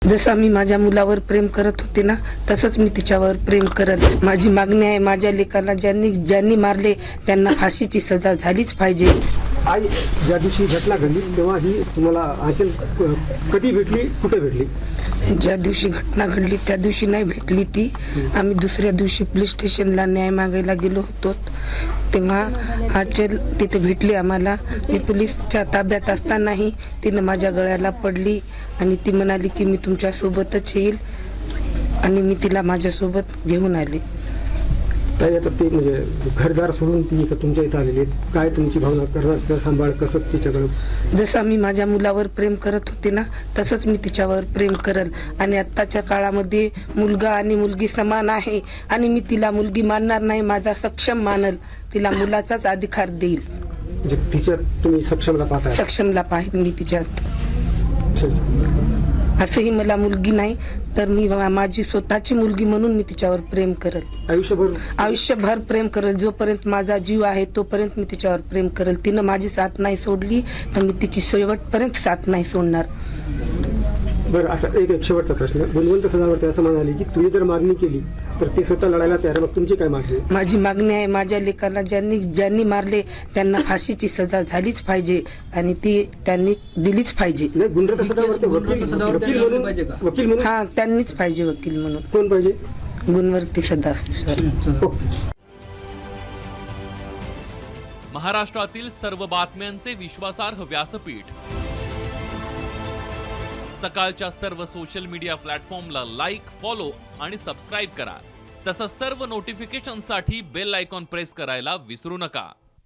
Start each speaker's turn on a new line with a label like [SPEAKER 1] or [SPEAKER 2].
[SPEAKER 1] जसा मी माझ्या मुलावर प्रेम करत होते ना, तसंच मी तिच्यावर प्रेम करत. माझी मागणी आहे, माझ्या लेकाला ज्यांनी मारले त्यांना फाशीची सजा झालीच पाहिजे.
[SPEAKER 2] आई, ज्या दिवशी घटना घडली तेव्हा ही तुम्हाला आंचल कधी भेटली, कुठे भेटली?
[SPEAKER 1] ज्या दिवशी घटना घडली त्या दिवशी नाही भेटली ती. आम्ही दुसऱ्या दिवशी पोलीस स्टेशनला न्याय मागायला गेलो होतो, तेव्हा आंचल तिथे भेटली आम्हाला. मी पोलीसच्या ताब्यात असतानाही तिनं माझ्या गळ्याला पडली आणि ती म्हणाली की मी तुमच्या सोबतच येईल, आणि मी तिला माझ्यासोबत घेऊन आले.
[SPEAKER 2] ताई, आता ते म्हणजे घरदार सोडून ती इथं तुमच्या इथं आलेली आहे, काय तुमची भावना, करण्याचं सांभाळ कसं तिच्याकडं?
[SPEAKER 1] जसा मी माझ्या मुलावर प्रेम करत होते ना, तसंच मी तिच्यावर प्रेम करल. आणि आत्ताच्या काळामध्ये मुलगा आणि मुलगी समान आहे, आणि मी तिला मुलगी मानणार नाही, माझा सक्षम मानल, तिला मुलाचाच अधिकार देईल.
[SPEAKER 2] म्हणजे तिच्यात तुम्ही सक्षमला पाहताय?
[SPEAKER 1] सक्षमला पाहिजे मी तिच्यात.
[SPEAKER 2] ठीक.
[SPEAKER 1] असंही मला मुलगी नाही, तर मी माझी स्वतःची मुलगी म्हणून मी तिच्यावर प्रेम करल. आयुष्यभर प्रेम करल. जोपर्यंत माझा जीव आहे तोपर्यंत मी तिच्यावर प्रेम करल. तिनं माझी साथ नाही सोडली तर मी तिची शेवटपर्यंत साथ नाही सोडणार.
[SPEAKER 2] बरं, आता एक शेवटचा प्रश्न. गुणवंत सदावर्ते असं म्हणाले की तुम्ही जर मागणी केली तर ते स्वतः लढायला तयार. मग तुमची काय मागणी?
[SPEAKER 1] माझी मागणी आहे, माझ्या लेकाला ज्यांनी मारले त्यांना फाशीची सजा झालीच पाहिजे, आणि ती त्यांनी दिलीच पाहिजे.
[SPEAKER 2] नाही, गुणवंत सदावर्ते वकील म्हणून
[SPEAKER 1] हा, त्यांनीच पाहिजे वकील म्हणून.
[SPEAKER 2] कोण पाहिजे?
[SPEAKER 1] गुणवंती सदाशिव.
[SPEAKER 3] महाराष्ट्रातील सर्व बातम्यांचे विश्वासार्ह व्यासपीठ. सकाळच्या सर्व सोशल मीडिया प्लॅटफॉर्मला लाईक, फॉलो आणि सबस्क्राईब करा. तसंच सर्व नोटिफिकेशनसाठी बेल आयकॉन प्रेस करायला विसरू नका.